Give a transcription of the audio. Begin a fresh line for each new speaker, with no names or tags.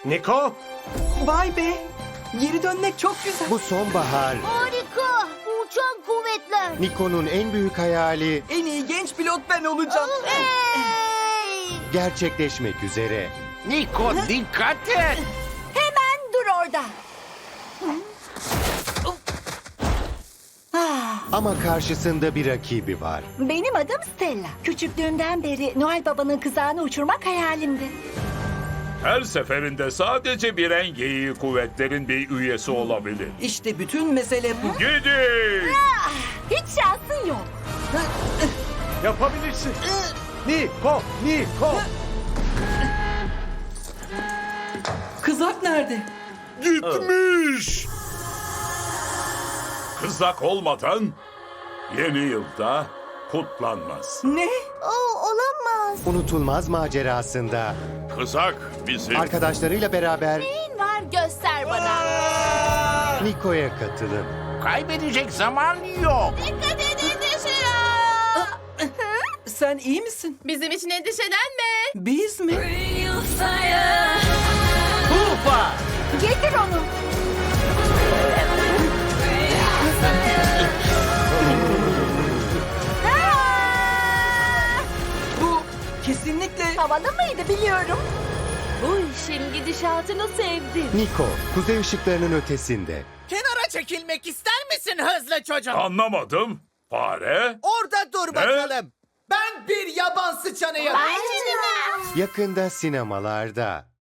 Niko,
Vay be. Geri dönmek çok güzel.
Bu sonbahar
Harika. Uçan kuvvetler.
Niko'nun en büyük hayali
En iyi genç pilot ben olacağım.
Hey!
gerçekleşmek üzere.
Niko dikkat et.
Hemen dur orada.
Ama karşısında bir rakibi var.
Benim adım Stella. Küçüklüğümden beri Noel Baba'nın kızağını uçurmak hayalimdi.
Her seferinde sadece bir en geyiği kuvvetlerin bir üyesi olabilir.
İşte bütün mesele bu.
Gidin!
Hiç şansın yok.
yapabilirsin. Niko, Niko.
Kızak nerede?
Gitmiş! Kızak olmadan yeni yılda kutlanmaz.
Ne?
Olamaz.
Unutulmaz macerasında
Kızak bizim.
arkadaşlarıyla beraber
Neyin var göster bana.
Niko'ya katılın.
Kaybedecek zaman yok.
Dikkat edin dışarı.
Sen iyi misin?
Bizim için endişelenme.
Biz mi?
Tufa!
Getir onu.
Bu kesinlikle...
Havalı mıydı biliyorum.
Bu işin gidişatını sevdim.
Niko, kuzey ışıklarının ötesinde.
Kenara çekilmek ister misin hızlı çocuk?
Anlamadım. Fare?
Orada dur bakalım. Ben bir yaban sıçanıyım.
Yakında sinemalarda.